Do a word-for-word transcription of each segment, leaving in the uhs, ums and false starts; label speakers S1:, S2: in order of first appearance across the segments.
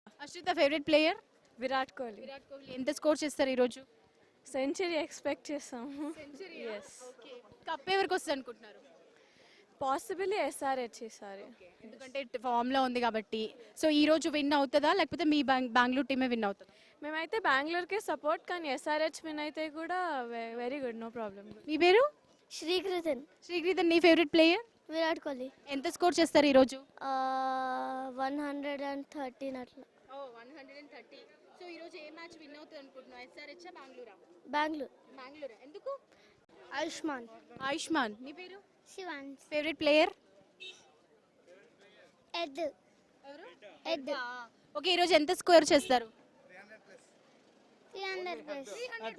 S1: Ashritha favourite player
S2: Virat Kohli.
S1: Virat Kohli ఎంత score చేస్తారు ఈ రోజు?
S2: సెంచరీ ఎక్స్పెక్ట్ చేస్తాము. ఎస్,
S1: కప్ ఎవరికి వస్తుంది అనుకుంటున్నారు?
S2: పాసిబిలీ ఎస్ఆర్హెచ్ ఈసారి.
S1: ఎందుకంటే ఫామ్ లో ఉంది కాబట్టి. సో ఈ రోజు విన్ అవుతుందా లేకపోతే మీ బెంగళూరు టీమే విన్ అవుతుందా?
S2: మేమైతే బెంగళూరుకే సపోర్ట్, కానీ ఎస్ఆర్హెచ్ విన్ అయితే కూడా వెరీ గుడ్, నో ప్రాబ్లం.
S1: మీ పేరు?
S3: శ్రీకృతన్.
S1: శ్రీకృతన్ నీ ఫేవరెట్ ప్లేయర్?
S3: విరాట్ కోహ్లీ.
S1: ఎంత స్కోర్ చేస్తారు ఈ రోజు?
S3: వన్ హండ్రెడ్ అండ్ థర్టీన్ అట్లా.
S1: సో ఈ రోజు ఏ మ్యాచ్ విన్ అవుతుంది అనుకుంటున్నావు? ఎస్ఆర్హెచ్ బెంగళూరు?
S3: బెంగళూరు.
S1: బెంగళూరు. ఎందుకు?
S3: ఆయుష్మాన్.
S1: ఆయుష్మాన్. నీ పేరు?
S3: శివాన్.
S1: Favourite player?
S3: ఎడ్.
S1: ఎవరు?
S3: ఎడ్.
S1: ఓకే, ఈ రోజు ఎంత స్కోర్ చేస్తారు?
S3: Three hundred plus.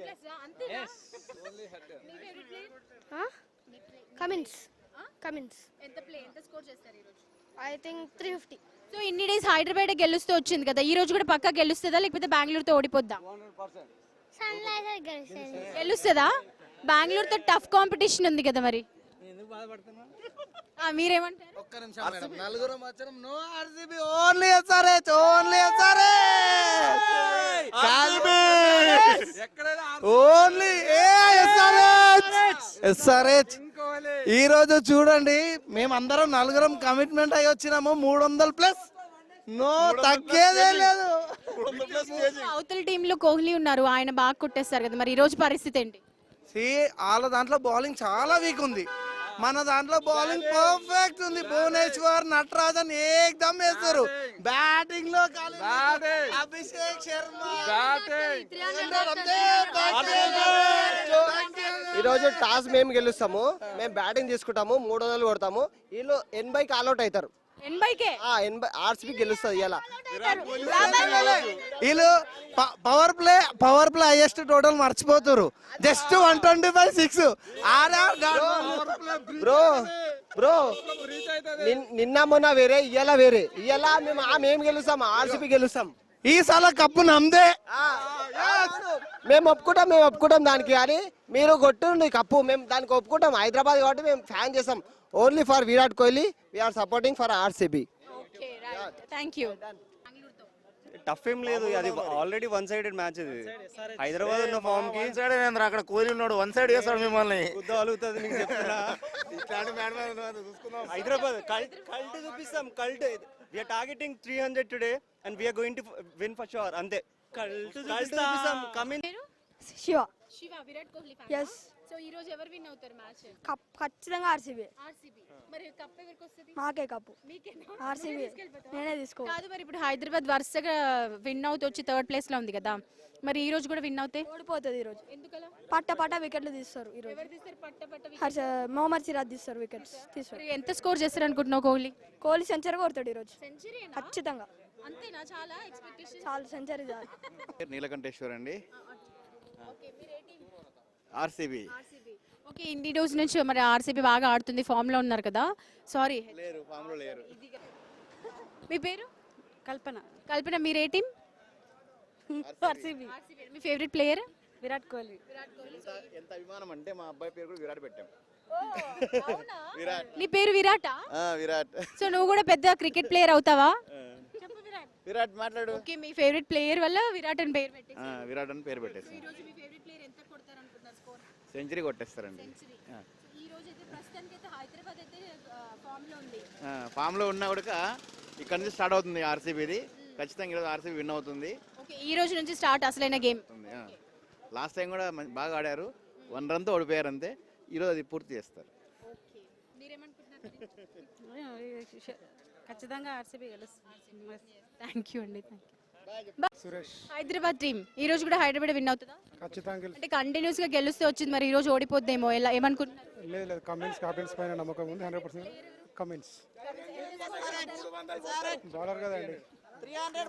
S3: Cummins. Cummins.
S1: ఎంత ప్లే ఎంత స్కోర్ చేస్తారు ఈ రోజు?
S3: I think three fifty.
S1: So ఇన్ని డేస్ హైదరాబాద్ గెలుస్తూ వచ్చింది కదా, ఈ రోజు కూడా పక్కా గెలుస్తుందా లేకపోతే బెంగళూరుతో ఓడిపోద్దా?
S3: సన్ రైజర్స్ గెలుస్తుంది.
S1: గెలుస్తుందా? బెంగళూరుతో టఫ్ కాంపిటీషన్ ఉంది కదా మరి. ఆ, మీరేమంటారు?
S4: ఒక్క నిమిషం మేడం, నలుగురం వచ్చాం. No RCB, only SRH, only SRH, only SRH, SRH. ఈ రోజు చూడండి, మేమందరం నలుగురం కమిట్మెంట్ అయ్యి వచ్చినాము. మూడు వందల ప్లస్, నో తగ్గేదే లేదు.
S1: అవతల టీంలో కోహ్లీ ఉన్నారు, ఆయన బాగా కొట్టేస్తారు కదా, మరి ఈ రోజు పరిస్థితి ఏంటి?
S4: సి వాళ్ళ దాంట్లో బౌలింగ్ చాలా వీక్ ఉంది, మన దాంట్లో బౌలింగ్ పర్ఫెక్ట్ ఉంది. భువనేశ్వర్, నటరాజన్ ఏకదమ్ వేస్తారు. బ్యాటింగ్ లో అభిషేక్ శర్మ.
S5: ఈరోజు టాస్ మేము గెలుస్తాము, మేము బ్యాటింగ్ తీసుకుంటాము, మూడు వందలు కొడతాము. వీళ్ళు ఎనభైకి ఆల్అౌట్ అవుతారు.
S1: ఎనభైకే
S5: ఎనభై ఆర్సీబీ గెలుస్తుంది ఇలా.
S4: వీళ్ళు power play power play highest total మర్చిపోతారు. Just one twenty five six.
S5: Bro bro నిన్న మొన్న వేరే, ఇయ్యాల వేరే. ఇయ్యాల మేము మేము గెలుస్తాం, ఆర్సీబీ గెలుస్తాం.
S4: ఈ సల కప్పు నమ్దే.
S5: మేము ఒప్పుకుంటాం, మేము ఒప్పుకుంటాం దానికి. కానీ మీరు కొట్టుండి కప్పు, మేము దానికి ఒప్పుకుంటాం. హైదరాబాద్ కాబట్టి మేము ఫ్యాన్ చేస్తాం. Only for Virat Kohli, we are supporting for RCB.
S1: Thank you.
S6: Tough ఏం లేదు, అది ఆల్రెడీ వన్ సైడెడ్ మ్యాచ్. ఇది హైదరాబాద్ ఉన్న ఫామ్ కి
S4: సైడ్ అక్కడ కోహ్లీ ఉన్నాడు, వన్ సైడ్ చేస్తాడు మిమ్మల్ని.
S6: అలుగుతుంది మీకు చెప్తున్నా. హైదరాబాద్ కల్ట్ కల్ట్ చూపిస్తాం. Cult we are targeting three hundred today and we are going to win for sure. అంతే, కల్ట్ చూపిస్తాం. Coming
S3: Shiva.
S1: Shiva Virat Kohli fan.
S3: Yes.
S1: So ఈ రోజు ఎవరు విన్ అవుతారు మ్యాచ్?
S3: కప్ ఖచ్చితంగా ఆర్సీబీ.
S1: ఆర్సీబీ. మరి కప్ ఎవరికి వస్తుంది?
S3: మాకే కప్పు.
S1: మీకేనా?
S3: ఆర్సీబీ నేనే తీసుకో.
S1: కాదు, మరి ఇప్పుడు హైదరాబాద్ వరుసగా విన్ అవుతూ వచ్చి థర్డ్ ప్లేస్ లో ఉంది కదా, మరి ఈ రోజు కూడా విన్ అవుతే
S3: ఓడిపోతుంది ఈ రోజు.
S1: ఎందుకలా?
S3: పట్ట పట్ట వికెట్లు తీస్తారు ఈ రోజు.
S1: ఎవరు తీస్తారు పట్ట పట్ట wicket?
S3: హర్ష మొహమ్మద్ సిరాజ్ తీస్తారు వికెట్స్ తీస్తారు.
S1: మరి ఎంత స్కోర్ చేస్తారు అనుకుంటున్నావు కోహ్లీ?
S3: కోహ్లీ సెంచరీ కొడతాడు ఈ రోజు
S1: సెంచరీ
S3: ఖచ్చితంగా.
S1: అంతేనా? చాలా ఎక్స్పెక్టేషన్.
S3: చాలు సెంచరీ చాలు.
S7: నీలకంఠేశ్వర్ అండి,
S1: ఓకే, మీరు ఏ టీం?
S7: ఆర్సీబీ.
S1: ఆర్సీబీ. ఓకే, ఇన్ని రోజు నుంచి మరి ఆర్సీబీ బాగా ఆడుతుంది, ఫామ్ లో ఉన్నారు కదా. సారీ,
S7: లేరు, ఫామ్ లో లేరు.
S1: మీ పేరు?
S2: కల్పన.
S1: కల్పన. మీరు ఏ టీం?
S2: ఆర్సీబీ.
S1: మీ ఫేవరెట్ ప్లేయర్?
S2: విరాట్ కోహ్లీ.
S7: ఎంత అభిమానం అంటే మా అబ్బాయి పేరు కూడా విరాట్ పెట్టాం.
S1: విరాట్. నీ పేరు విరాటా?
S7: విరాట్.
S1: సో నువ్వు కూడా పెద్ద క్రికెట్ ప్లేయర్ అవుతావా?
S7: విరాట్ మాట్లాడు.
S1: ఓకే, మీ ఫేవరెట్ ప్లేయర్ వల్ల విరాట్ అని పేరు పెట్టేసి
S7: విరాట్ అని పేరు పెట్టేసి
S1: ఈ రోజు మీ ఫేవరెట్ ప్లేయర్ ఎంత కొడతారు అనుకుంటున్నారు స్కోర్?
S7: సెంచరీ కొట్టేస్తారండి.
S1: ఈ రోజు అయితే ప్రస్తుతానికి అయితే హైదరాబాద్ అయితే ఫామ్ లో ఉంది.
S7: ఫామ్ లో ఉన్నా కూడా ఇక్కడ నుంచి స్టార్ట్ అవుతుంది ఆర్సీబీది. ఖచ్చితంగా ఈరోజు ఆర్సీబీ విన్ అవుతుంది.
S1: ఓకే, ఈ రోజు నుంచి స్టార్ట్ అసలైన గేమ్.
S7: లాస్ట్ టైం కూడా బాగా ఆడారు, వన్ రన్ తో ఓడిపోయారు అంతే. ఈరోజు అది పూర్తి చేస్తారు.
S1: ఓకే, మీరేమనుకుంటున్నారు?
S2: ఖచ్చితంగా ఆర్సీబీ గెలుస్తుంది.
S1: థ్యాంక్ యూ అండి. సురేష్. హైదరాబాద్ టీం ఈ రోజు కూడా హైదరాబాద్ విన్ అవుతుందా?
S8: ఖచ్చితంగా.
S1: అంటే కంటిన్యూస్ గా గెలుస్తూ వచ్చింది, మరి ఈ రోజు ఓడిపోద్దేమో, ఎలా ఏమనుకుంటున్నారు?
S8: లేదు లేదు, కమిన్స్ క్యాప్టెన్స్ పైన నమ్మకం ఉంది హండ్రెడ్ పర్సెంట్. కమిన్స్ బౌలర్ కదండి.
S4: త్రీ హండ్రెడ్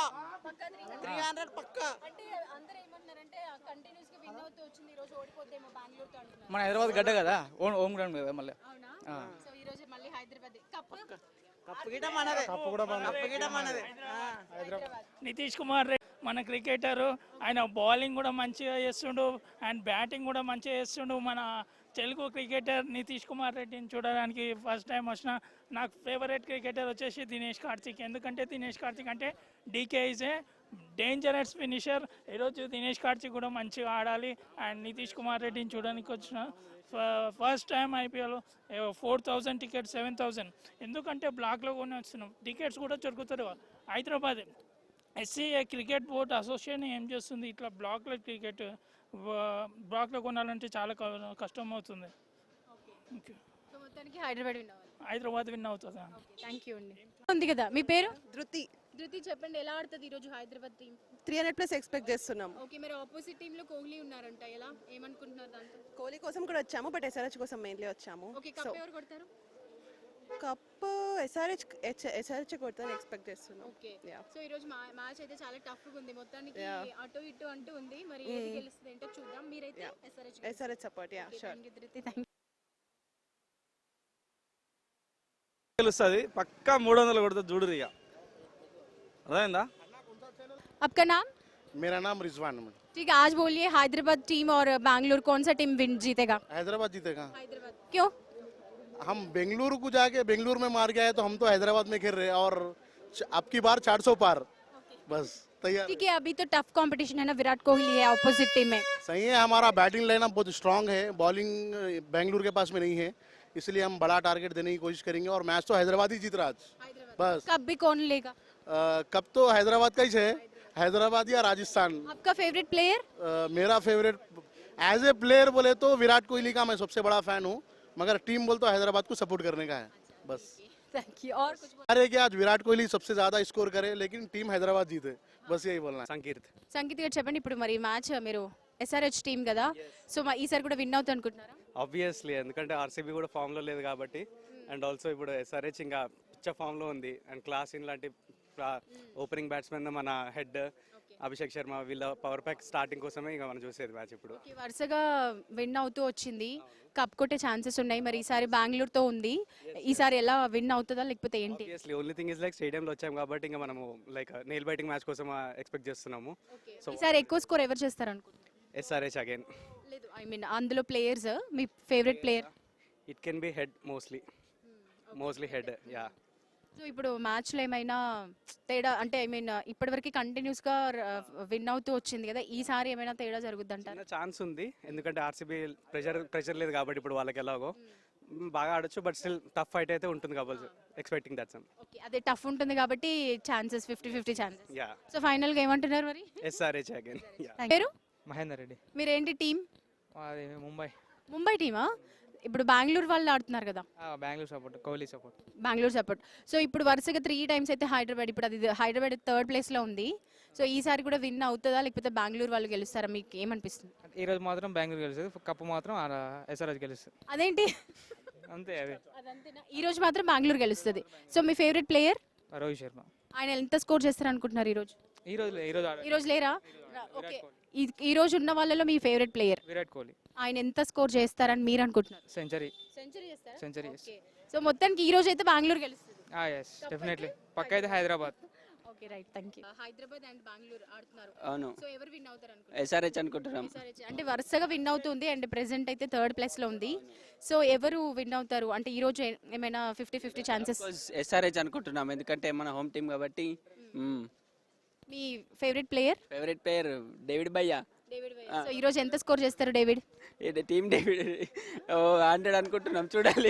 S4: పక్కా.
S1: అంటే అందరూ ఏమంటున్నారంటే కంటిన్యూస్ గా విన్ అవుతూ వచ్చింది, ఈ రోజు ఓడిపోద్దేమో బెంగళూరుతో అంటున్నారు.
S9: మన హైదరాబాద్ గడ్డ కదా, ఓన్ హోమ్ గ్రౌండ్ కదా మళ్ళీ.
S1: అవునా? సో ఈ రోజు మళ్ళీ హైదరాబాద్ కప్.
S4: కప్పు గిట మనదే,
S8: కప్పు కూడా మనదే.
S4: కప్పు గిట మనదే.
S10: నితీష్ కుమార్ రెడ్డి మన క్రికెటర్, ఆయన బౌలింగ్ కూడా మంచిగా చేస్తుండు అండ్ బ్యాటింగ్ కూడా మంచిగా చేస్తుండు. మన తెలుగు క్రికెటర్ నితీష్ కుమార్ రెడ్డిని చూడడానికి ఫస్ట్ టైం వచ్చిన. నాకు ఫేవరెట్ క్రికెటర్ వచ్చేసి దినేష్ కార్తిక్. ఎందుకంటే దినేష్ కార్తిక్ అంటే DK is a dangerous finisher. ఈరోజు దినేష్ కార్తిక్ కూడా మంచిగా ఆడాలి. అండ్ నితీష్ కుమార్ రెడ్డిని చూడడానికి వచ్చిన first time IPL four thousand tickets seven thousand ఎందుకంటే బ్లాక్లో కొని వస్తున్నాం. టికెట్స్ కూడా దొరుకుతారు. Hyderabad SCA cricket board association ఏం చేస్తుంది, ఇట్లా బ్లాక్లో క్రికెట్ బ్లాక్లో కొనాలంటే చాలా క- కష్టం అవుతుంది. ఓకే,
S1: సో మొత్తానికి హైదరాబాద్ విన్ అవ్వాలి.
S10: హైదరాబాద్ విన్ అవుతుంది.
S1: థ్యాంక్ యూ అండి. ఉంది కదా మీ పేరు?
S11: ధృతి
S1: ధృతి, చెప్పండి ఎలా ఆడుతుంది ఈరోజు Hyderabad team?
S11: Three hundred plus expect చేస్తున్నాం.
S1: ఓకే, మరి ఆపోజిట్ టీంలో కోహ్లీ ఉన్నారంట, ఎలా ఏమనుకుంటున్నారు దాంతో?
S11: కోహ్లీ కోసం కూడా వచ్చాము, బట్ ఎస్ఆర్హెచ్ కోసం మెయిన్లీ వచ్చాము.
S1: ఓకే,
S11: సో
S1: కప్ ఎవరు కొడతారు?
S11: కప్ ఎస్ఆర్హెచ్ ఎస్ఆర్హెచ్ కొడతాను ఎక్స్పెక్ట్ చేస్తున్నాం.
S1: Okay,
S11: Yeah.
S1: సో ఈ రోజు మ్యాచ్ అయితే చాలా టఫ్ గా ఉంది. మొత్తానికి
S11: Yeah.
S1: అటు ఇటు అంటూ ఉంది. మరి ఏది గెలుస్తుంది ఏంటో చూద్దాం. మీరైతే
S11: Yeah.
S1: SRH
S11: SRH support yeah sure.
S1: Thank you Dhruthi, thank you.
S9: గెలుస్తుంది పక్కా మూడు వందలు కొడుతుంది చూడు ఇక అదేందా.
S1: आपका नाम?
S8: मेरा नाम रिजवान है।
S1: ठीक है, आज बोलिए हैदराबाद टीम और बैंगलोर कौन सा टीम विन जीतेगा?
S8: हैदराबाद जीतेगा।
S1: हैदराबाद क्यों?
S8: हम बेंगलुरु को जाके बेंगलुरु में मार के आए तो हम तो हैदराबाद में खेल रहे हैं और च- अब की बार चार सौ पार बस तैयार।
S1: ठीक है, अभी तो टफ कंपटीशन है ना, विराट कोहली है ऑपोजिट टीम में.
S8: सही है, हमारा बैटिंग लाइनअप बहुत स्ट्रांग है, बॉलिंग बेंगलुरु के पास में नहीं है, इसलिए हम बड़ा टारगेट देने की कोशिश करेंगे और मैच तो हैदराबाद ही जीत रहा आज बस।
S1: कब भी कौन लेगा?
S8: अ, कब तो हैदराबाद का ही है, हैदराबाद या राजस्थान।
S1: आपका फेवरेट प्लेयर?
S8: अ, मेरा फेवरेट एज ए प्लेयर बोले तो विराट कोहली का मैं सबसे बड़ा फैन हूँ, मगर टीम बोल तो हैदराबाद को सपोर्ट करने का है बस।
S1: Thank you. और कुछ बोल-
S8: अरे कि आज विराट कोहली सबसे ज्यादा स्कोर करे लेकिन टीम हैदराबाद जीते, बस यही बोलना है।
S9: సంకీర్త్
S1: సంగీత్ గారు చెప్పండి, ఇప్పుడు మరి మ్యాచ్ మీరు ఎస్ఆర్హెచ్ టీం కదా, సో మా ఈసారి కూడా విన్ అవుతుంది అనుకుంటున్నారా?
S6: ఆబ్వియస్లీ, ఎందుకంటే ఆర్సీబీ కూడా ఫామ్లో లేదు కాబట్టి, అండ్ ఆల్సో ఇప్పుడు ఎస్ఆర్హెచ్ ఇంకా పిచ్చ ఫామ్లో ఉంది. అండ్ క్లాస్ ఇన్ లాంటి ఓపెనింగ్ బ్యాట్స్మెన్ మన హెడ్ అభిషేక్ శర్మ వీళ్ళ పవర్ ప్యాక్ స్టార్టింగ్ కోసమే ఇంకా మనం చూసేది మ్యాచ్ ఇప్పుడు.
S1: ఓకే, వరుసగా విన్ అవుతూ వచ్చింది, కప్ కొట్టే ఛాన్సెస్ ఉన్నాయి. మరి ఈసారి బెంగళూరుతో ఉంది, ఈసారి ఎలా విన్ అవుతుందా లేకపోతే ఏంటి?
S6: Obviously only thing is like స్టేడియంలో వచ్చాం కాబట్టి ఇంకా మనము లైక్ నెయిల్ బైటింగ్ మ్యాచ్ కోసం ఎక్స్పెక్ట్ చేస్తున్నాము. సో
S1: ఈసారి ఎక్కువ స్కోర్ ఎవరు చేస్తారు అనుకుంటున్నారు?
S6: SRH again.
S1: లేదు, ఐ మీన్ అందులో ప్లేయర్స్ మీ favourite player?
S6: It can be Head mostly mostly Head yeah.
S1: So ఇప్పుడు మ్యాచ్లో ఏమైనా తేడా అంటే ఐ మీన్ ఇప్పటివరకు కంటిన్యూస్గా విన్ అవుతూ వచ్చింది కదా, ఈసారి ఏమైనా తేడా జరుగుద్ది అంటారు?
S6: చిన్న ఛాన్స్ ఉంది, ఎందుకంటే ఆర్సీబీ ప్రెషర్ ప్రెషర్ లేదు కాబట్టి ఇప్పుడు వాళ్ళకి ఎలాగో మ్, బాగా ఆడొచ్చు, బట్ స్టిల్ టఫ్ ఫైట్ అయితే ఉంటుంది కాబట్టి ఎక్స్పెక్టింగ్ దట్ సమ్.
S1: ఓకే, అదే టఫ్ ఉంటుంది కాబట్టి chances fifty fifty chances.
S6: Yeah,
S1: so ఫైనల్గా ఏమంటున్నారు మరి?
S6: SRH again. యా.
S1: పేరు?
S9: మహేందర్ రెడ్డి,
S1: మీరేంటి టీం?
S9: అది ముంబై.
S1: ముంబై టీమా? ఇప్పుడు బెంగళూరు వాళ్ళు ఆడుతున్నారు కదా,
S9: Bengaluru support, Kohli support.
S1: Bengaluru support. So ఇప్పుడు వరుసగా త్రీ టైమ్స్ అయితే హైదరాబాద్, ఇప్పుడు అది హైదరాబాద్ థర్డ్ ప్లేస్లో ఉంది. సో ఈసారి కూడా విన్ అవుతుందా లేకపోతే బెంగళూరు వాళ్ళు గెలుస్తారా, మీకు ఏమనిపిస్తుంది?
S9: ఈ రోజు మాత్రం బెంగళూరు గెలుస్తుంది, కప్పు మాత్రం ఎస్ఆర్హెచ్ గెలుస్తుంది.
S1: అదేంటి?
S9: అంతే అదే.
S1: అదంతేనా? ఈ రోజు మాత్రం బెంగళూరు గెలుస్తుంది. సో మీ ఫేవరెట్ ప్లేయర్?
S9: రోహిత్ శర్మ.
S1: ఆయన ఎంత స్కోర్ చేస్తారు అనుకుంటున్నారు ఈరోజు?
S9: ఈ రోజు ఈ రోజు
S1: ఈ రోజు లేరా? ఓకే, ఈ- ఈ రోజు ఉన్న వాళ్ళలో మీ ఫేవరెట్ ప్లేయర్
S9: విరాట్ కోహ్లీ
S1: ఆయన ఎంత స్కోర్ చేస్తారని మీరు అనుకుంటున్నారు?
S9: సెంచరీ.
S1: సెంచరీ చేస్తారా?
S9: సెంచరీ.
S1: ఓకే, సో మొత్తానికి ఈ రోజు అయితే బెంగళూరు గెలుస్తుంది.
S9: ఎస్ డెఫినెట్లీ, పక్క అయితే Hyderabad.
S1: Okay, right, thank you. Hyderabad and Bengaluru ఆడుతున్నారు.
S12: అవును,
S1: సో ఎవరు విన్ అవుతారు అనుకుంటున్నారు?
S12: ఎస్ఆర్హెచ్ అనుకుంటున్నాం.
S1: ఎస్ఆర్హెచ్ అంటే వరుసగా విన్ అవుతుంది అండ్ ప్రెసెంట్ అయితే థర్డ్ ప్లేస్ లో ఉంది. సో ఎవరు విన్ అవుతారు అంటే ఈ రోజు ఏ- ఏమైనా ఫిఫ్టీ ఫిఫ్టీ ఛాన్సెస్?
S12: ఎస్ఆర్హెచ్ అనుకుంటున్నాం, ఎందుకంటే మన హోమ్ టీం కాబట్టి.
S1: మీ favourite player?
S12: Favourite player David భయ్యా.
S1: డేవిడ్. సో ఈ రోజు ఎంత స్కోర్ చేస్తారు డేవిడ్?
S12: టీం డేవిడ్ ఓ హండ్రెడ్ అనుకుంటున్నాం, చూడాలి.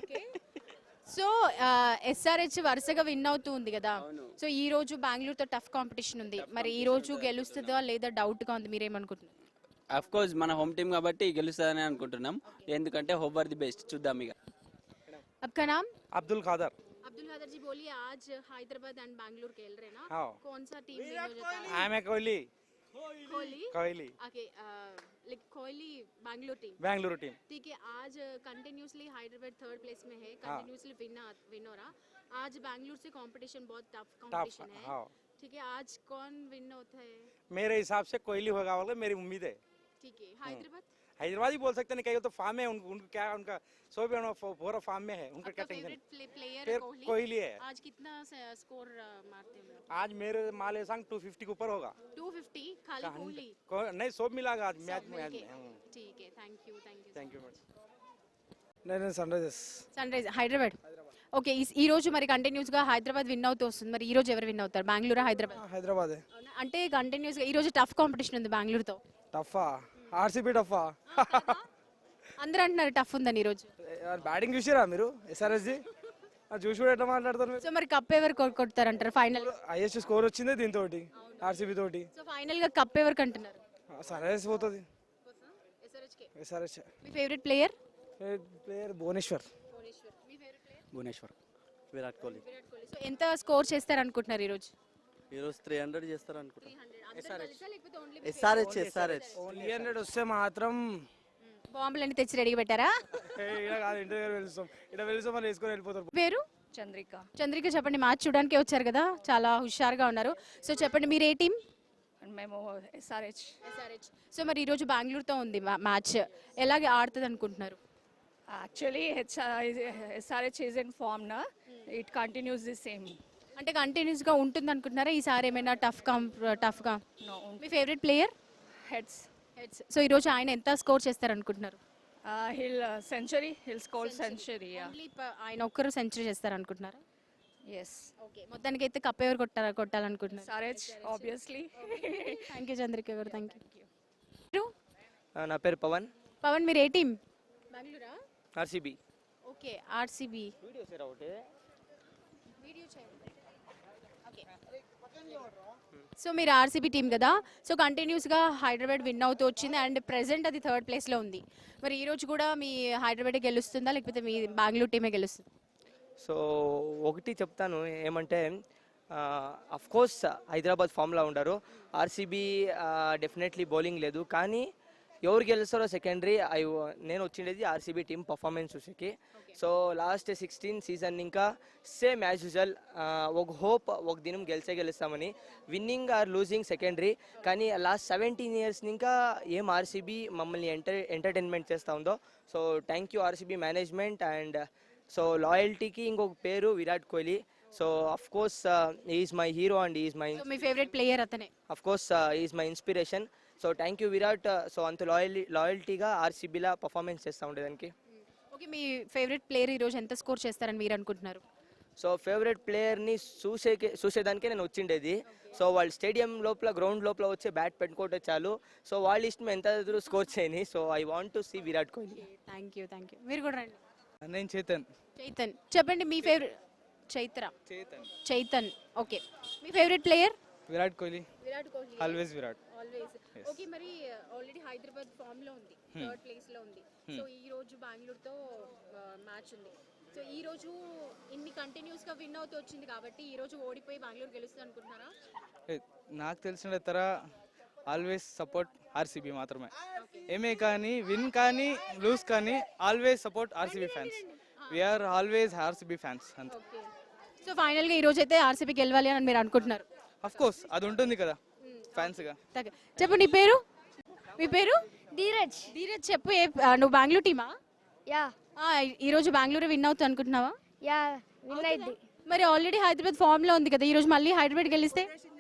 S1: సో ఎస్ఆర్హెచ్ వరుసగా విన్ అవుతూ ఉంది కదా, సో ఈ రోజు బెంగళూరుతో టఫ్ కాంపిటీషన్ ఉంది. మరి ఈ రోజు గెలుస్తుందా లేదా డౌట్ గా ఉంది, మీరేమనుకుంటున్నారు?
S12: అఫ్ కోర్స్ మన హోమ్ టీం కాబట్టి గెలుస్తుందని అనుకుంటున్నాం, ఎందుకంటే హోప్ ఆర్ ది బెస్ట్. చూద్దాం ఇక.
S1: आपका नाम?
S9: అబ్దుల్ ఖాదర్.
S1: अब्दुल खादर जी, बोलिए आज हैदराबाद एंड बैंगलोर खेल रहे हैं ना,
S9: हाँ।
S1: कौन सा टीम विन हो जाता है?
S9: ఆమె Kohli.
S1: Kohli.
S9: Kohli
S1: okay, like Kohli Bangalore team.
S9: Bengaluru team.
S1: ठीक है, आज कंटिन्यूसली हैदराबाद थर्ड प्लेस में है, कंटिन्यूसली विन विन हो रहा. आज बैंगलोर से कंपटीशन बहुत टफ कंपटीशन है.
S9: हाँ,
S1: ठीक है, आज कौन विन होता है?
S9: मेरे हिसाब से कोहली होगा वाला मेरी उम्मीद है.
S1: ठीक है, हैदराबाद
S9: हैदराबाद ही बोल सकते हैं, कहीं तो फार्म है उनको, उनको क्या उनका सौ भी पूरा फार्म में है, उनका क्या
S1: आपका
S9: टेंशन.
S1: फेवरेट प्लेयर
S9: फिर
S1: कोहली.
S9: कोहली है.
S1: आज कितना स्कोर मारते हैं?
S9: आज मेरे माले संग टू फिफ्टी के ऊपर होगा.
S1: टू फिफ्टी खाली कोहली?
S9: को- नहीं, सब मिलागा आज मैच में.
S1: ठीक है, thank you, thank you.
S9: Thank you match. నేను Sunrisers
S1: Sunrise Hyderabad. Okay, ఈ- ఈ రోజు మరి కంటిన్యూస్ గా హైదరాబాద్ విన్ అవుతూ వస్తుంది. మరి ఈ రోజు ఎవరు విన్ అవుతారు, బెంగళూరు హైదరాబాద్?
S9: హైదరాబాదే.
S1: అవునా? అంటే కంటిన్యూస్ గా ఈ రోజు టఫ్ కాంపిటీషన్ ఉంది బెంగళూరుతో.
S9: టఫా? ఆర్సీబీ టఫా?
S1: అందరూ అంటున్నారు టఫ్ ఉందని ఈ రోజు.
S9: బ్యాటింగ్ చూసారా మీరు ఎస్ఆర్ఎస్జి? చూసి కూడా ఎట్లా మాట్లాడతారు మీరు?
S1: సో మరి కప్ ఎవరు కొ- కొడతారంటారు ఫైనల్?
S9: హైయెస్ట్ స్కోర్ వచ్చిందే దీంతో ఆర్సీబీ తోటి.
S1: సో ఫైనల్ గా కప్ ఎవరికి అంటున్నారు?
S9: సన్ రైజర్స్ పోతుంది. ఎస్ఆర్హెచ్.
S1: మీ favourite player?
S9: Player Bhuvneshwar.
S6: Bhuvneshwar. Virat Kohli.
S1: So ఎంత స్కోర్ చేస్తారు అనుకుంటున్నారు ఈ రోజు?
S6: ఈరోజు త్రీ హండ్రెడ్ చేస్తారు అనుకుంటా.
S5: ఎస్ఆర్హెచ్ ఎస్ఆర్హెచ్
S9: త్రీ హండ్రెడ్ వస్తే మాత్రం
S1: బాంబులన్నీ తెచ్చి రెడీ పెట్టారా?
S9: ఇక్కడ కాదు, ఇంటి దగ్గర వెళ్తాం. ఇక్కడ వెళ్తాం మళ్ళీ వేసుకొని వెళ్ళిపోతారు.
S1: పేరు?
S2: చంద్రిక.
S1: చంద్రిక, చెప్పండి. మ్యాచ్ చూడడానికి వచ్చారు కదా, చాలా హుషారుగా ఉన్నారు. సో చెప్పండి, మీరు ఏ టీం?
S2: మేము ఎస్ఆర్హెచ్.
S1: ఎస్ఆర్హెచ్. సో మరి ఈ రోజు బెంగళూరుతో ఉంది మా- మ్యాచ్, ఎలాగే ఆడుతుంది అనుకుంటున్నారు?
S2: Actually SRH is in form నా, ఇట్ కంటిన్యూస్ ది సేమ్.
S1: అంటే కంటిన్యూస్ గా ఉంటుంది అనుకుంటున్నారా? ఈసారి ఏమైనా టఫ్ కాం టఫ్ గా? మీ favourite player?
S2: Heads.
S1: Heads. So ఈ రోజు ఆయన ఎంత స్కోర్ చేస్తారు అనుకుంటున్నారు?
S2: హిల్ సెంచరీ, హిల్ స్కోర్ సెంచరీ.
S1: Only ప- ఆయన ఒక్కరు సెంచరీ చేస్తారు అనుకుంటున్నారా?
S2: ఎస్.
S1: ఓకే, మొత్తానికి అయితే కప్ ఎవరు కొట్టారా కొట్టాలనుకుంటున్నారు?
S2: SRH obviously.
S1: Thank you Chandrika గారు, థ్యాంక్ యూ.
S5: నా పేరు పవన్.
S1: పవన్, మీరు ఏ టీం? బెంగళూరా?
S5: ఆర్సీబీ.
S1: Okay, RCB. సో మీరు ఆర్సీబీ టీం కదా, సో కంటిన్యూస్గా హైదరాబాద్ విన్ అవుతూ వచ్చింది అండ్ ప్రెసెంట్ అది థర్డ్ ప్లేస్లో ఉంది. మరి ఈ రోజు కూడా మీ హైదరాబాదే గెలుస్తుందా లేకపోతే మీ బెంగళూరు టీమే గెలుస్తుంది?
S5: సో ఒకటి చెప్తాను ఏమంటే, అఫ్ కోర్స్ హైదరాబాద్ ఫామ్లో ఉండరు. ఆర్సీబీ డెఫినెట్లీ బౌలింగ్ లేదు, కానీ ఎవరు గెలుస్తారో సెకండరీ. ఐ నేను వచ్చిండేది ఆర్సీబీ టీం పర్ఫార్మెన్స్ చూసేకి. సో లాస్ట్ సిక్స్టీన్ సీజన్ ఇంకా సేమ్ యాజ్ యూజువల్, ఒక హోప్ ఒక దినం గెలిచే గెలుస్తామని. విన్నింగ్ ఆర్ లూజింగ్ సెకండరీ, కానీ లాస్ట్ సెవెంటీన్ ఇయర్స్ ఇంకా ఏం ఆర్సీబీ మమ్మల్ని ఎంటర్ ఎంటర్టైన్మెంట్ చేస్తూ ఉందో. So thank you RCB management. And so లాయల్టీకి ఇంకొక పేరు Virat Kohli. So of course is my hero and is my
S1: so మీ ఫేవరెట్ ప్లేయర్ అతనే?
S5: Of course is my inspiration. So thank you Virat. So అంత loyal లాయల్టీగా ఆర్సీబీలా పర్ఫార్మెన్స్ చేస్తూ ఉండేదానికి.
S1: ఓకే, మీ ఫేవరెట్ ప్లేయర్ ఈ రోజు ఎంత స్కోర్ చేస్తారని మీరు అనుకుంటున్నారు?
S5: సో ఫేవరెట్ ప్లేయర్ని చూసేకే చూసేదానికే నేను వచ్చిండేది. సో వాళ్ళు స్టేడియం లోపల గ్రౌండ్ లోపల వచ్చి బ్యాట్ పెట్టుకుంటే చాలు. సో వాళ్ళ ఇష్టం ఎంత ఎదురు స్కోర్ చేయని. So I want to see Virat Kohli.
S1: Thank you, thank you. మీరు కూడా రండి.
S9: నేను చేతన్.
S1: చైతన్, చెప్పండి మీ ఫేవరెట్. చైత్ర.
S9: చేతన్.
S1: చైతన్, ఓకే. మీ favourite player?
S9: Virat Kohli.
S1: Virat Kohli.
S9: Always Virat.
S1: Always. Okay, మరి ఆల్రెడీ హైదరాబాద్ ఫామ్ లో ఉంది, థర్డ్ ప్లేస్ లో ఉంది. సో ఈ రోజు బెంగళూరుతో మ్యాచ్ ఉంది. సో ఈ రోజు ఇన్ని కంటిన్యూస్ గా విన్ అవుతూ వచ్చింది కాబట్టి ఈ రోజు ఓడిపోయి బెంగళూరు గెలుస్తుంది అనుకుంటున్నారా?
S9: నాకు తెలిసిన తర ఆల్వేస్ సపోర్ట్ ఆర్సీబీ మాత్రమే. ఏమే కానీ విన్ కానీ లూజ్ కానీ always support RCB fans. We are always RCB fans అంతే.
S1: ఓకే, సో ఫైనల్ గా ఈ రోజు అయితే ఆర్సీబీ గెలవాలి అని మీరు అనుకుంటున్నారు?
S9: అఫ్ కోర్స్ అది ఉంటుంది కదా ఫ్యాన్స్ గా.
S1: చెప్పు, నీ పేరు? మీ పేరు?
S3: ధీరజ్.
S1: ధీరజ్, చెప్పు. ఏ ఆ, నువ్వు బెంగళూరు టీమా?
S3: యా
S1: ఆ, ఈ రోజు బెంగళూరు విన్ అవుతుంది అనుకుంటున్నావా?
S3: యా విన్ అయింది.
S1: మరి ఆల్రెడీ హైదరాబాద్ ఫామ్ లో ఉంది కదా, ఈ రోజు మళ్ళీ హైదరాబాద్ గెలిస్తే?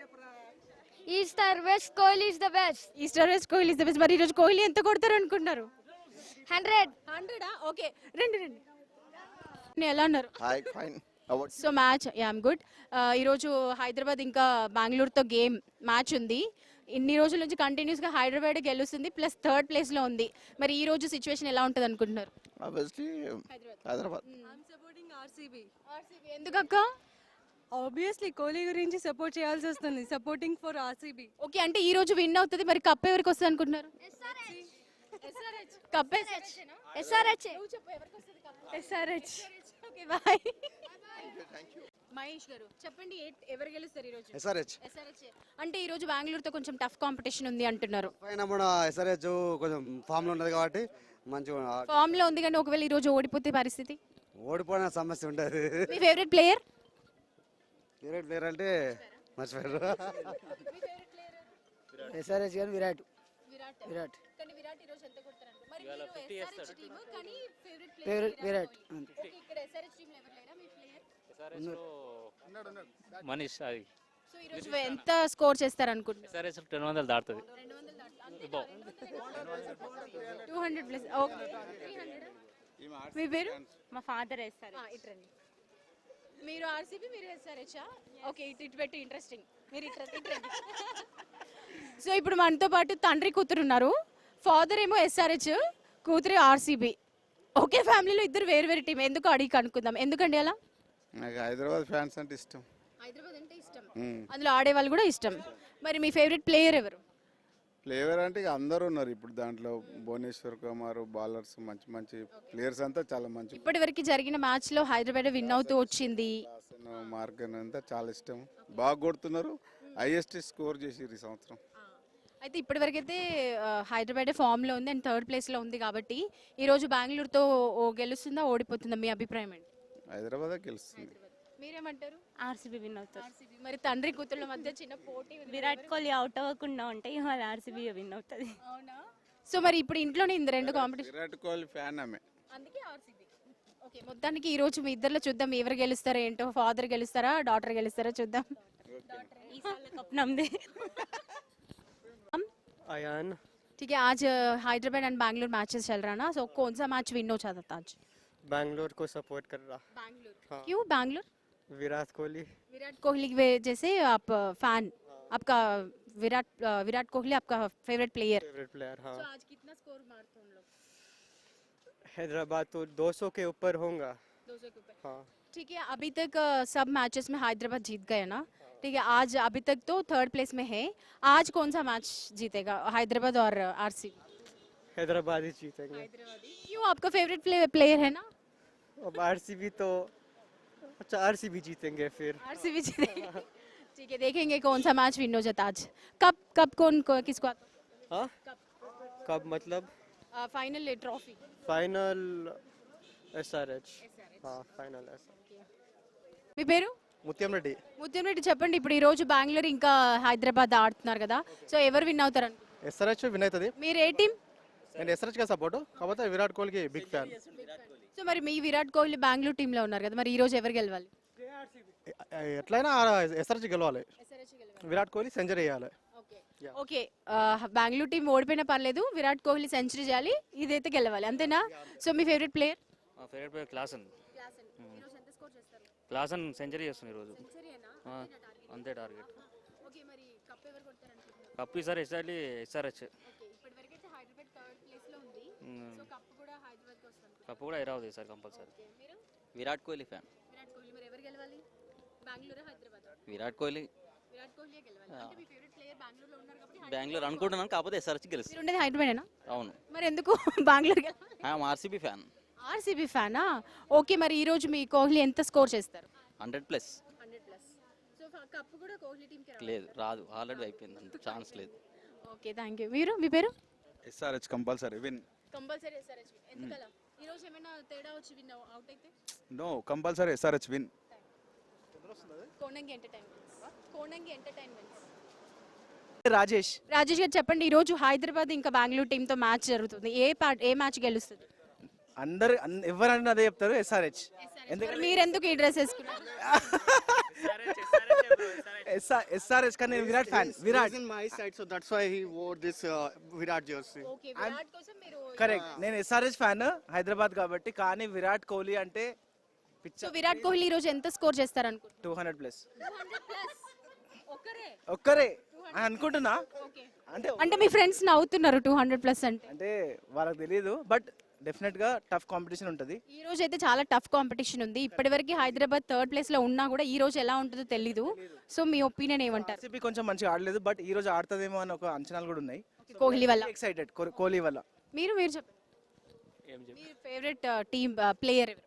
S3: East or west Kohli is the best.
S1: East or west Kohli is the best. మరి ఈ రోజు కోహ్లీ ఎంత కొడతారు అనుకుంటున్నారు?
S3: హండ్రెడ్.
S1: హండ్రెడా? ఓకే, రండి రండి. నేను ఎలా ఉన్నారు?
S7: Hi fine.
S1: So match, yeah I'm good. ఈరోజు హైదరాబాద్ ఇంకా బెంగళూరుతో గేమ్ మ్యాచ్ ఉంది. ఇన్ని రోజుల నుంచి కంటిన్యూస్గా హైదరాబాద్ గెలుస్తుంది, ప్లస్ థర్డ్ ప్లేస్లో ఉంది. మరి ఈ రోజు సిచ్యువేషన్ ఎలా ఉంటుంది అనుకుంటున్నారు?
S7: ఆబ్వియస్లీ హైదరాబాద్.
S11: ఆర్సీబీ.
S1: ఆర్సీబీ ఎందుకు అక్క?
S11: ఆబ్వియస్లీ కోహ్లీ గురించి సపోర్ట్ చేయాల్సి వస్తుంది. Supporting for RCB.
S1: ఓకే, అంటే ఈ రోజు విన్ అవుతుంది. మరి కప్ ఎవరికి వస్తుంది అనుకుంటున్నారు? Cup
S3: SRH.
S11: SRH.
S1: Okay, bye. Mahesh గారు, చెప్పండి, ఏ- ఎవరు గెలుస్తారు ఈ రోజు?
S8: ఎస్ఆర్హెచ్.
S1: ఎస్ఆర్హెచ్. అంటే ఈ రోజు బెంగళూరుతో కొంచెం టఫ్ కాంపిటీషన్ ఉంది అంటున్నారు.
S8: పైన మన ఎస్ఆర్హెచ్ కొంచెం ఫామ్ లో ఉన్నది కాబట్టి మంచిగా
S1: ఫామ్ లో ఉంది, కానీ ఒకవేళ ఈ రోజు ఓడిపోతే పరిస్థితి?
S8: ఓడిపోయిన సమస్య ఉంటుంది.
S1: మీ ఫేవరెట్ ప్లేయర్?
S8: ఫేవరెట్ ప్లేయర్ అంటే మర్చిపోయారు.
S5: ఎస్ఆర్హెచ్ కానీ విరాట్.
S1: విరాట్.
S5: విరాట్.
S1: కానీ విరాట్ ఈ రోజు ఎంత కొడతారంట? మరి మీరు ఎస్ఆర్హెచ్ టీమ్, కానీ favourite
S5: favourite
S1: player
S5: Virat.
S1: Okay, ఇక్కడ ఎస్ఆర్హెచ్ టీమ్ ఎవరు లేరా మీ ప్లేయర్?
S6: మనీష్ అది
S1: సో ఈ రోజు ఎంత స్కోర్ చేస్తారు అనుకుంటున్నారు?
S6: ఎస్ఆర్హెచ్ రెండు వందలు దాటుతుంది.
S1: రెండు వందలు దాటుతుంది. Two hundred plus. Okay, three hundred. మీ పేరు?
S13: మా ఫాదర్ వేస్తారు.
S1: ఆ, ఇట్రండి. మీరు ఆర్సీబీ, మీరు ఎస్ఆర్హెచా? ఓకే, ఇటు ఇటు పెట్టి ఇంట్రెస్టింగ్. మీరు ఇట్ర ఇట్రండి. సో ఇప్పుడు మనతో పాటు తండ్రి కూతురు ఉన్నారు. ఫాదర్ ఏమో ఎస్ఆర్హెచ్, కూతురు ఆర్సీబీ. ఒకే ఫ్యామిలీలో ఇద్దరు వేరు వేరు టీం. ఎందుకు అడిగి కనుక్కుందాం. ఎందుకండి అలా?
S14: నాకు హైదరాబాద్ ఫ్యాన్స్ అంటే ఇష్టం.
S1: హైదరాబాద్ అంటే ఇష్టం,
S14: మ్మ్.
S1: అందులో ఆడే వాళ్ళు కూడా ఇష్టం. మరి మీ ఫేవరెట్ ప్లేయర్ ఎవరు?
S14: ప్లేయర్ అంటే ఇక అందరూ ఉన్నారు ఇప్పుడు దాంట్లో. భువనేశ్వర్ కుమార్, బౌలర్స్ మంచి మంచి ప్లేయర్స్ అంతా చాలా మంచి.
S1: ఇప్పటి వరకు జరిగిన మ్యాచ్ లో హైదరాబాద్ విన్ అవుతూ వచ్చింది.
S14: మార్గన్ అంతా చాలా ఇష్టం, బాగా కొడుతున్నారు. హైయెస్ట్ స్కోర్ చేసిర్రు ఈ సంవత్సరం.
S1: అయితే ఇప్పటి వరకు అయితే హైదరాబాద్ ఫామ్ లో ఉంది అండ్ థర్డ్ ప్లేస్ లో ఉంది కాబట్టి ఈ రోజు బెంగళూరుతో ఓ గెలుస్తుందా ఓడిపోతుందా మీ అభిప్రాయం ఏంటి?
S14: హైదరాబాద్ గెలుస్తుంది.
S1: మీరేమంటారు?
S13: ఆర్సీబీ విన్ అవుతారు.
S1: ఆర్సీబీ. మరి తండ్రి కూతుర్ల మధ్య చిన్న పోటీ ఉంది.
S13: విరాట్ కోహ్లీ అవుట్ అవ్వకుండా ఉంటే ఇవాళ ఆర్సీబీ విన్ అవుతుంది.
S1: అవునా? సో మరి ఇప్పుడు ఇంట్లోనే ఇంది రెండు కాంపిటీషన్,
S14: విరాట్ కోహ్లీ ఫ్యాన్ ఆమె.
S1: అందుకే ఆర్సీబీ. ఓకే, మొత్తానికి ఈ రోజు మీ ఇద్దరిలో చూద్దాం ఎవరు గెలుస్తారో ఏంటో. ఫాదర్ గెలుస్తారా, డాటర్ గెలుస్తారా చూద్దాం.
S13: కప్ నమ్దే.
S15: अयान
S1: ठीक है, आज हैदराबाद एंड बैंगलोर मैचेस चल रहा है ना, सो कौन सा मैच विन हो चाहता था आज?
S15: बैंगलोर को सपोर्ट कर रहा.
S1: बैंगलोर.
S15: हाँ.
S1: क्यों बैंगलोर?
S15: विराट कोहली.
S1: विराट कोहली की वजह से आप फैन, आपका विराट विराट कोहली आपका फेवरेट प्लेयर.
S15: Favourite player. हाँ.
S1: तो आज कितना स्कोर मारते हो हम लोग?
S15: हैदराबाद तो दो सौ के ऊपर होगा.
S1: दो सौ के ऊपर.
S15: हाँ.
S1: ठीक है, अभी तक अ, सब मैचेस में हैदराबाद जीत गए ना. ठीक है, आज अभी तक तो थर्ड प्लेस में है. आज कौन सा मैच जीतेगा, हैदराबाद और आरसीबी?
S15: हैदराबाद ही जीतेंगे.
S1: क्यों, आपका फेवरेट प्लेयर है ना?
S15: अब आरसीबी तो अच्छा आरसीबी जीतेंगे फिर.
S1: आरसीबी जीतेगा. ठीक है, देखेंगे कौन सा मैच विन हो जाता आज. कब कब कौन को, किसको आता?
S15: हाँ. कब मतलब?
S1: Final trophy.
S15: Final SRH. हाँ फाइनल एसआरएच.
S1: మీ పేరు?
S15: ముత్యం రెడ్డి.
S1: ముత్యం రెడ్డి, చెప్పండి ఇప్పుడు ఈ రోజు బెంగళూరు ఇంకా హైదరాబాద్ ఆడుతున్నారు కదా, సో ఎవరు విన్ అవుతారు అనుకుంటున్నారు?
S15: ఎస్ఆర్ఎచ్ విన్ అవుతుంది.
S1: మీరు ఏ టీం?
S15: నేను ఎస్ఆర్ఎచ్ గా సపోర్ట్, కాకపోతే విరాట్ కోహ్లీకి బిగ్ ఫ్యాన్.
S1: సో మరి మీ విరాట్ కోహ్లీ బెంగళూరు టీంలో ఉన్నారు కదా, మరి ఈ రోజు ఎవరు గెలవాలి?
S15: ఎట్లయినా ఎస్ఆర్ఎచ్ గెలవాలి. విరాట్ కోహ్లీ సెంచరీ వేయాలి.
S1: ఓకే, బెంగళూరు టీం ఓడిపోయినా పర్లేదు, విరాట్ కోహ్లీ సెంచరీ చేయాలి, ఇదైతే గెలవాలి, అంతేనా? సో మీ ఫేవరెట్ ప్లేయర్?
S16: మా favourite player Klaasen. Klaasen century చేస్తుంది ఈరోజు. అంతే టార్గెట్. కప్ ఈసారి ఎస్ఆర్లీ ఎస్ఆర్హెచ్. కప్ కూడా హైదరాబాద్ ఈసారి కంపల్సరీ.
S12: విరాట్ కోహ్లీ ఫ్యాన్. విరాట్ కోహ్లీ బెంగళూరు అనుకుంటున్నాను, కాకపోతే ఎస్ఆర్హెచ్ గెలుస్తుంది.
S1: హైదరాబాద్.
S12: అవును.
S1: మరి ఎందుకు బెంగళూరు గెలవాలి?
S12: RCB fan.
S1: ఆర్సీబీ ఫ్యానా? ఓకే, మరి ఈ రోజు మీ కోహ్లీ ఎంత స్కోర్ చేస్తారు?
S12: Hundred plus.
S1: సో కప్ కూడా కోహ్లీ టీంకి
S12: లేదు, రాదు, ఆల్రెడీ అయిపోయింది, అంత ఛాన్స్ లేదు.
S1: Okay, thank you. మీరు, మీ పేరు?
S14: SRH compulsory win.
S1: Compulsory SRH win. ఎందుకలా? ఈ రోజు ఏమైనా తేడా వచ్చి విన్ అవుట్ అయితే?
S14: No, compulsory SRH win.
S1: Konangi entertainments. Konangi entertainments.
S17: Rajesh.
S1: Rajesh garu చెప్పండి, ఈ రోజు హైదరాబాద్ ఇంకా బెంగళూరు టీంతో మ్యాచ్ జరుగుతుంది, ఏ పా- ఏ మ్యాచ్ గెలుస్తుంది?
S17: అందరు ఎవరన్నా అదే చెప్తారు ఎస్ఆర్హెచ్.
S1: మరి మీరెందుకు ఈ డ్రెస్ వేసుకున్నారు?
S17: ఎస్ఆర్హెచ్ కానీ నేను Virat fan. Virat
S18: in my side, so that's why he wore this uh, Virat jersey.
S1: Okay, Virat కోసం మీరు.
S17: కరెక్ట్, నేను ఎస్ఆర్హెచ్ ఫ్యాన్ హైదరాబాద్ కాబట్టి. కానీ విరాట్ కోహ్లీ అంటే
S1: సో విరాట్ కోహ్లీ ఈ రోజు ఎంత స్కోర్ చేస్తారు అనుకుంటున్నారు?
S17: Two hundred plus.
S1: ఒక్కరే?
S17: ఒక్కరే అని అనుకుంటున్నా. అంటే
S1: అంటే మీ ఫ్రెండ్స్ నవ్వుతున్నారు టూ హండ్రెడ్ ప్లస్ అంటే.
S17: అంటే వాళ్ళకి తెలియదు, బట్ డెఫినెట్ గా టఫ్ కాంపిటీషన్ ఉంటుంది.
S1: ఈ రోజు అయితే చాలా టఫ్ కాంపిటీషన్ ఉంది. ఇప్పటివరకు హైదరాబాద్ థర్డ్ ప్లేస్ లో ఉన్నా కూడా ఈ రోజు ఎలా ఉంటుందో తెలీదు. సో మీ ఒపీనియన్ ఏమంటారు?
S17: ఆర్సీబీ కొంచెం మంచిగా ఆడలేదు, బట్ ఈ రోజు ఆడుతుందేమో అని ఒక అంచనాలు కూడా ఉన్నాయి.
S1: కోహ్లీ వల్ల
S17: ఎక్సైటెడ్. కోహ్లీ వల్ల.
S1: మీరు మీరు చెప్పండి, మీ ఫేవరెట్ టీమ్ ప్లేయర్ ఎవరు?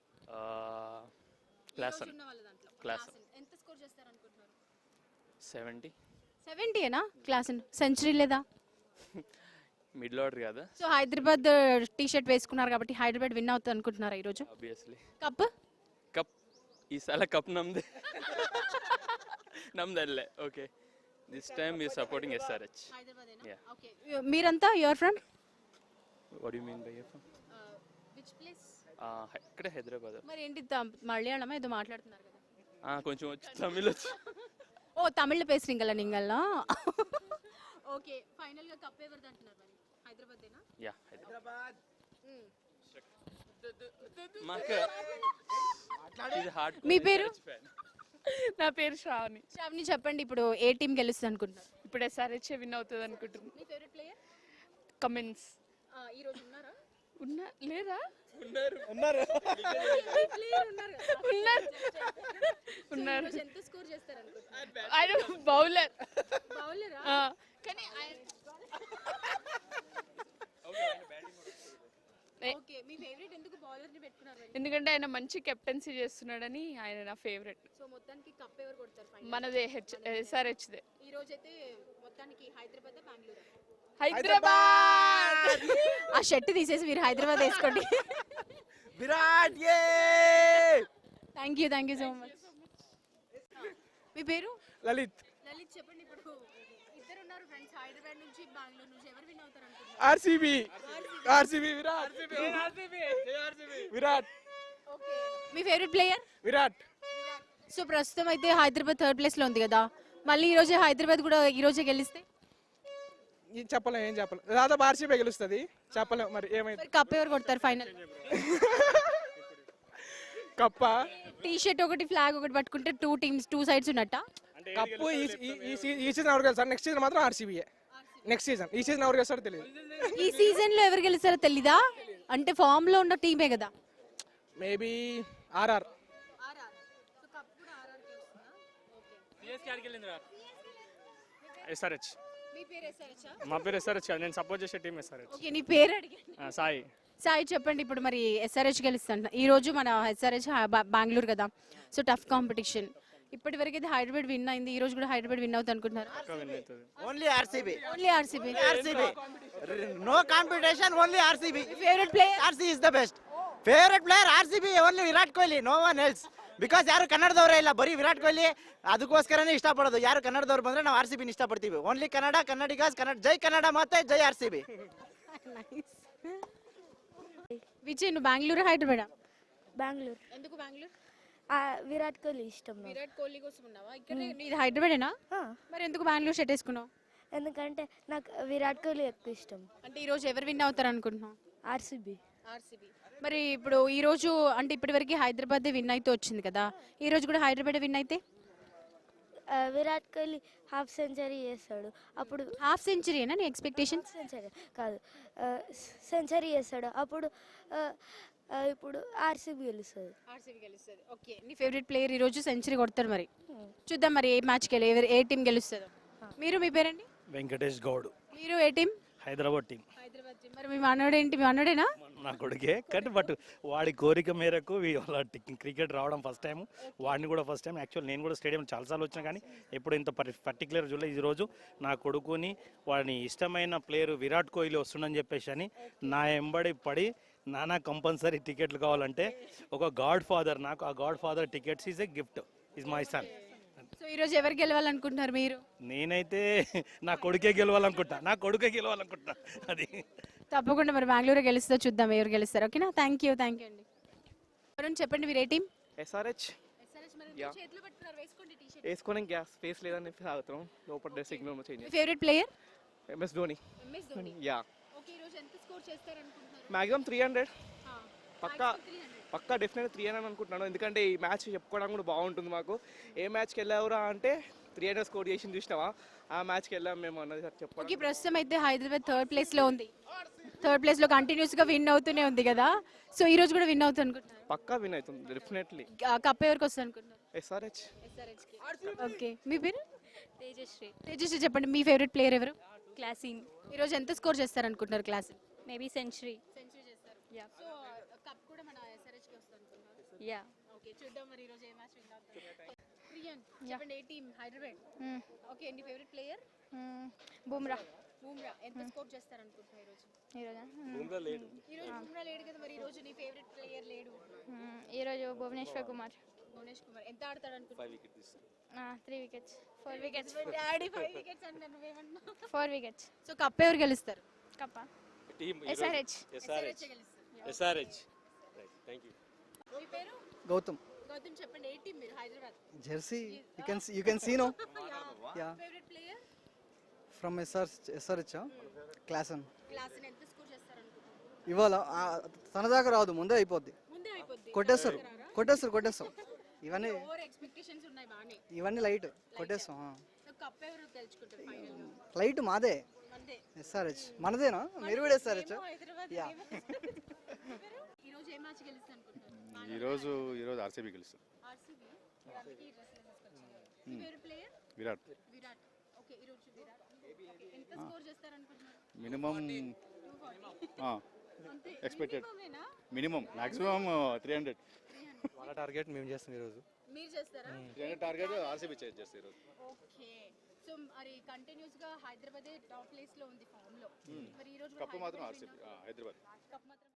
S16: క్లాసన్. క్లాసన్.
S1: ఎంత స్కోర్ చేస్తారు అనుకుంటున్నారు?
S16: సెవెంటీ.
S1: సెవెంటీ ఏనా? క్లాస్ సెంచరీ లేదా?
S16: మిడిల్ ఆర్డర్ కదా.
S1: సో హైదరాబాద్ టీ షర్ట్ వేసుకున్నారు కాబట్టి హైదరాబాద్ విన్ అవుతుంది అనుకుంటున్నారా ఈ రోజు?
S16: ఆబ్వియస్లీ.
S1: కప్
S16: కప్ ఈసారి కప్ నమ్దే. నమ్దల్లే. Okay, this time you supporting SRH. Yeah.
S1: Okay, మీరంతా you're from?
S16: What do you mean by you're from?
S1: Which place?
S16: ఆ ఇక్కడ హైదరాబాద్.
S1: మరి ఏంటి మలయాళమా ఏదో మాట్లాడుతున్నారు కదా?
S16: ఆ కొంచెం వచ్చి తమిళ్ వచ్చి.
S1: ఓ తమిళ్ పేసురింగల నింగల్లా. ఓకే, ఫైనల్ గా కప్ ఎవరిది అంటున్నారు మరి? హైదరాబాదేనా?
S16: యా, హైదరాబాద్.
S1: మీ పేరు?
S2: నా పేరు శ్రావణి.
S1: శ్రావణి చెప్పండి, ఇప్పుడు ఏ టీం గెలుస్తుంది అనుకుంటున్నారు?
S2: ఇప్పుడు ఎస్ఆర్హెచ్ విన్ అవుతుంది అనుకుంటున్నాను.
S1: మీ ఫేవరెట్ ప్లేయర్?
S2: కమిన్స్.
S1: ఈ రోజు ఉన్నారా?
S2: ఉన్నా లేదా
S4: ఉన్నారు
S2: ఉన్నారు
S1: ఉన్నారు. ఎంత స్కోర్ చేస్తారు అనుకుంటున్నారు?
S2: ఆయన బౌలర్
S1: బౌలరా?
S2: కానీ
S1: ఓకే, మీ ఫేవరెట్ ఎందుకు బౌలర్ ని పెట్టుకున్నారు?
S2: ఎందుకంటే ఆయన మంచి కెప్టెన్సీ చేస్తున్నాడని ఆయన నా ఫేవరెట్.
S1: సో మొత్తానికి కప్ ఎవరు కొడతారు ఫైనల్?
S2: మనదే హెచ్ ఎస్ఆర్హెచ్ దే.
S1: ఈ రోజు అయితే మొత్తానికి హైదరాబాద్ బెంగళూరు.
S2: హైదరాబాద్.
S1: ఆ షర్ట్ తీసేసి మీరు హైదరాబాద్ వేసుకోండి.
S4: విరాట్ ఏ
S1: thank you thank you so much. మీ పేరు?
S17: లలిత్.
S1: లలిత్ చెప్పండి, ఇప్పుడు ఇద్దరు ఉన్నారు ఫ్రెండ్స్ హైదరాబాద్ నుంచి బెంగళూరు నుంచి, ఎవరు విన్ అవుతారు అనుకుంటున్నారు?
S17: RCB. RCB Virat. Virat.
S1: Okay, మీ ఫేవరెట్ ప్లేయర్?
S17: విరాట్.
S1: సో ప్రస్తుతం అయితే హైదరాబాద్ థర్డ్ ప్లేస్ లో ఉంది కదా, మళ్ళీ ఈ రోజే హైదరాబాద్ కూడా ఈ రోజే గెలిస్తే
S17: ఏం చెప్పలేం ఏం చెప్పలేం దాదాపు ఆర్సీబీ గెలుస్తుంది చెప్పలేం మరి ఏమైంది.
S1: కప్ ఎవరు కొడతారు ఫైనల్?
S17: కప్ప
S1: టీ షర్ట్ ఒకటి ఫ్లాగ్ ఒకటి పట్టుకుంటే టూ టీమ్స్ టూ సైడ్స్ ఉన్నట్ట.
S17: కప్పు ఈ ఈ సీజన్ ఎవరు గెలుస్తారు? నెక్స్ట్ సీజన్ మాత్రం ఆర్సీబీయే. నెక్స్ట్ సీజన్ ఈ సీజన్ ఎవరు గెలుస్తారో తెలియదు.
S1: ఈ సీజన్ లో ఎవరు గెలుస్తారో తెలీదా? అంటే ఫామ్ లో ఉన్న టీమే కదా.
S17: Maybe RR.
S19: ఎస్ఆర్హెచ్.
S1: మీ పేరు ఎస్ఆర్హెచ్?
S19: మా పేరు ఎస్ఆర్హెచ్ కాదు, నేను సపోర్ట్ చేసే టీం ఎస్ఆర్హెచ్.
S1: ఓకే, నీ పేరు అడిగాను.
S19: సాయి.
S1: సాయి చెప్పండి, ఇప్పుడు మరి ఎస్ఆర్హెచ్ గెలుస్తాను ఈ రోజు. మన ఎస్ఆర్హెచ్ బెంగళూరు కదా, సో టఫ్ కాంపిటీషన్. ఇప్పటి వరకు అయితే హైదరాబాద్ విన్ అయింది, ఈ రోజు కూడా హైదరాబాద్ విన్ అవుతుంది అనుకుంటున్నారు?
S4: Only RCB.
S1: Only RCB.
S4: RCB no competition, only RCB.
S1: Favourite player?
S4: RCB is the best. Favourite player RCB only Virat Kohli, no one else. Because ಯಾರು ಕನ್ನಡದವರೇ ಇಲ್ಲ, ಬರೀ ವಿರಾಟ್ ಕೊಹ್ಲಿ. ಅದಕ್ಕೋಸ್ಕರನೇ ಇಷ್ಟಪಡೋದು. ಯಾರು ಕನ್ನಡದವ್ರು ಬಂದ್ರೆ ನಾವು ಆರ್ಸಿಬಿನ ಇಷ್ಟಪಡ್ತೀವಿ. ಓನ್ಲಿ ಕನ್ನಡ, ಕನ್ನಡಿಗಾಸ್, ಕನ್ನಡ. ಜೈ ಕನ್ನಡ ಮತ್ತೆ ಜೈ ಆರ್ಸಿಬಿ.
S1: విజయ్, నువ్వు బెంగళూరు హైదరాబాద్?
S3: బెంగళూరు.
S1: ఎందుకు బెంగళూరు?
S3: విరాట్ కోహ్లీ ఇష్టం.
S1: విరాట్ కోహ్లీ కోసం ఉన్నావా ఇక్కడ? ఇది హైదరాబాదేనా? మరి ఎందుకు బెంగళూరు షర్ట్ వేసుకున్నావు?
S3: ఎందుకంటే నాకు విరాట్ కోహ్లీ ఎక్కువ ఇష్టం.
S1: అంటే ఈ రోజు ఎవరు విన్ అవుతారు అనుకుంటున్నావు?
S3: ఆర్సీబీ.
S1: ఆర్సీబీ. మరి ఇప్పుడు ఈ రోజు అంటే ఇప్పటివరకు హైదరాబాద్ విన్ అయితే వచ్చింది కదా, ఈ రోజు కూడా హైదరాబాద్ విన్ అయితే
S3: విరాట్ కోహ్లీ హాఫ్ సెంచరీ చేస్తాడు. అప్పుడు
S1: హాఫ్ సెంచరీనా నీ ఎక్స్పెక్టేషన్?
S3: సెంచరీ కాదు, సెంచరీ చేస్తాడు. అప్పుడు ఇప్పుడు ఆర్సీబీ గెలుస్తుంది.
S1: ఆర్సీబీ గెలుస్తుంది. ఓకే, నీ ఫేవరెట్ ప్లేయర్ ఈ రోజు సెంచరీ కొడతారు. మరి చూద్దాం మరి ఏ మ్యాచ్కి వెళ్ళి ఎవరు ఏ టీం గెలుస్తుందో. మీరు మీ పేరండి?
S20: వెంకటేష్ గౌడ్.
S1: మీరు ఏ team?
S20: Hyderabad team.
S1: Hyderabad team. మరి మీ మనోడేంటి? మీ మనోడేనా?
S20: నా కొడుకే, కానీ బట్ వాడి కోరిక మేరకు వాళ్ళ క్రికెట్ రావడం ఫస్ట్ టైం, వాడిని కూడా ఫస్ట్ టైం. యాక్చువల్ నేను కూడా స్టేడియం చాలాసార్లు వచ్చినా కానీ ఎప్పుడు ఇంత పర్టికులర్ చూడలేదు. ఈ రోజు నా కొడుకుని వాడిని ఇష్టమైన ప్లేయర్ విరాట్ కోహ్లీ వస్తుండని చెప్పేసి అని నా ఎంబడి పడి నానా కంపల్సరీ టికెట్లు కావాలంటే ఒక గాడ్ ఫాదర్, నాకు ఆ godfather tickets is a gift, is my son.
S1: So ఈ రోజు ఎవరు గెలవాలనుకుంటున్నారు మీరు?
S20: నేనైతే నా కొడుకే గెలవాలనుకుంటా, నా కొడుకే గెలవాలనుకుంటా. అది
S1: తప్పకుండా మరి బెంగళూరు గెలుస్తుందో చూద్దాం ఎవరు గెలుస్తారు. ఓకేనా? థ్యాంక్ యూ థ్యాంక్ యూ అండి. ఎవరైనా చెప్పండి, మీరు ఏ టీం?
S17: ఎస్ఆర్హెచ్.
S1: చేతులు పట్టుకున్నారు, వేసుకోండి టీ షర్ట్.
S17: వేసుకొని గ్యాస్ ఫేస్ లేదని ఆగుతాం, లోపల డ్రెస్ సిగ్నల్ చేంజ్.
S1: మీ favourite player?
S17: MS Dhoni.
S1: MS Dhoni.
S17: Yeah.
S1: Okay, ఈ రోజు ఎంత స్కోర్ చేస్తారు అనుకుంటున్నారు?
S17: మాక్సిమం త్రీ హండ్రెడ్ పక్కా పక్కా డెఫినెట్ త్రీ హండ్రెడ్ అనుకుంటున్నాను. ఎందుకంటే ఈ మ్యాచ్ చెప్పుకోవడం కూడా బాగుంటుంది మాకు. ఏ మ్యాచ్కి వెళ్ళావురా అంటే త్రీ హండ్రెడ్ స్కోర్ చేసి చూసినావా, ఆ మ్యాచ్కి వెళ్ళాం మేము అన్నది చెప్పండి.
S1: ఓకే, ప్రస్తుతం అయితే హైదరాబాద్ థర్డ్ ప్లేస్ లో ఉంది. థర్డ్ ప్లేస్ లో కంటిన్యూస్ గా విన్ అవుతూనే ఉంది కదా, సో ఈ రోజు కూడా విన్ అవుతుంది అనుకుంటున్నారు?
S17: పక్కా విన్ అవుతుంది డెఫినెట్లీ.
S1: కప్ ఎవరికి వస్తుంది అనుకుంటున్నారు?
S17: ఎస్ఆర్హెచ్.
S1: ఓకే, మీ పేరు?
S13: తేజశ్రీ.
S1: తేజశ్రీ చెప్పండి, మీ ఫేవరెట్ ప్లేయర్ ఎవరు?
S13: క్లాసింగ్.
S1: ఈ రోజు ఎంత స్కోర్ చేస్తారు అనుకుంటున్నారు క్లాసింగ్?
S13: Maybe century.
S1: సెంచరీ చేస్తారు.
S13: యా.
S1: సో కప్ కూడా మన ఎస్ఆర్హెచ్ కి వస్తుంది అనుకుంటున్నారు?
S13: యా.
S1: ఓకే, చూద్దాం మరి ఈ రోజు ఏ మ్యాచ్ విన్ అవుతారు. ప్రియాన్ చెప్పండి, ఏ టీం? హైదరాబాద్. ఓకే, నీ ఫేవరెట్ ప్లేయర్?
S13: బుమ్రా.
S1: బుమ్రా. ఎంత స్కోర్ చేస్తారు అనుకుంటున్నారు ఈ రోజు?
S13: ఈ రోజు
S1: బుమ్రా లేడు. ఈ రోజు బుమ్రా లేడు కదా, మరి ఈ రోజు నీ ఫేవరెట్ ప్లేయర్ లేడు?
S13: ఈ రోజు భువనేశ్వర్ కుమార్.
S1: భువనేష్ కుమార్ ఎంత ఆడతాడు అనుకుంటున్నారు?
S13: Three wickets. Four wickets.
S1: Daddy five wickets అంటే నువ్వేమన్నా?
S13: Four wickets.
S1: సో కప్ ఎవరు గెలుస్తారు?
S13: కప్పా
S16: team
S13: SRH.
S16: SRH. SRH. Right, thank you.
S1: మీ పేరు?
S15: గౌతమ్.
S1: గౌతమ్ చెప్పండి, ఏ టీం మీరు? Hyderabad.
S15: Jersey. You can see, you can see no. Yeah.
S1: Favourite player?
S15: From S R S R H. Klassen.
S1: Klaas ఎంత స్కోర్ చేస్తారు అనుకుంటున్నారు?
S15: ఇవాళ తన దాకా రాదు, ముందే అయిపోద్ది.
S1: ముందే అయిపోద్ది.
S15: కొట్టేస్తారు కొట్టేస్తారు కొట్టేస్తాం. ఇవన్నీ
S1: ఓవర్ ఎక్స్పెక్టేషన్స్ ఉన్నాయి బానే.
S15: ఇవన్నీ లైట్ కొట్టేస్తాం.
S1: సో కప్ ఎవరు గెలుచుకుంటారు ఫైనల్ గా?
S15: లైట్ మాదే.
S1: మందే.
S15: ఎస్ఆర్హెచ్ మనదేనా? మీరు కూడా ఎస్ఆర్హెచ్?
S1: హైదరాబాద్
S15: యా.
S1: ఈ రోజు ఏ మ్యాచ్ గెలుస్తుంది అనుకుంటున్నారు?
S14: ఈరోజు ఈరోజు ఆర్సీబీ గెలుస్తుంది.
S1: ఆర్సీబీ అందుకే ఈ డ్రెస్ తీసుకొచ్చారు. మీ favourite player?
S14: Virat.
S1: Virat. Okay ఈ రోజు విరాట్. ఓకే ఎంత స్కోర్ చేస్తారు అనుకుంటున్నారు?
S14: మినిమం
S1: అంతే.
S14: ఎక్స్పెక్టెడ్
S1: మినిమమేనా?
S14: Minimum maximum three hundred.
S9: వాళ్ళ టార్గెట్ మేము చేస్తాం ఈరోజు.
S1: మీరు చేస్తారా?
S14: Three hundred target RCB change చేస్తారు ఈరోజు.
S1: ఓకే. సో మరి కంటిన్యూస్ గా హైదరాబాద్ టాప్ ప్లేస్ లో ఉంది ఫామ్ లో. మరి ఈ రోజు
S14: కప్పు మాత్రం ఆర్సీబీ హైదరాబాద్.
S1: కప్ మాత్రం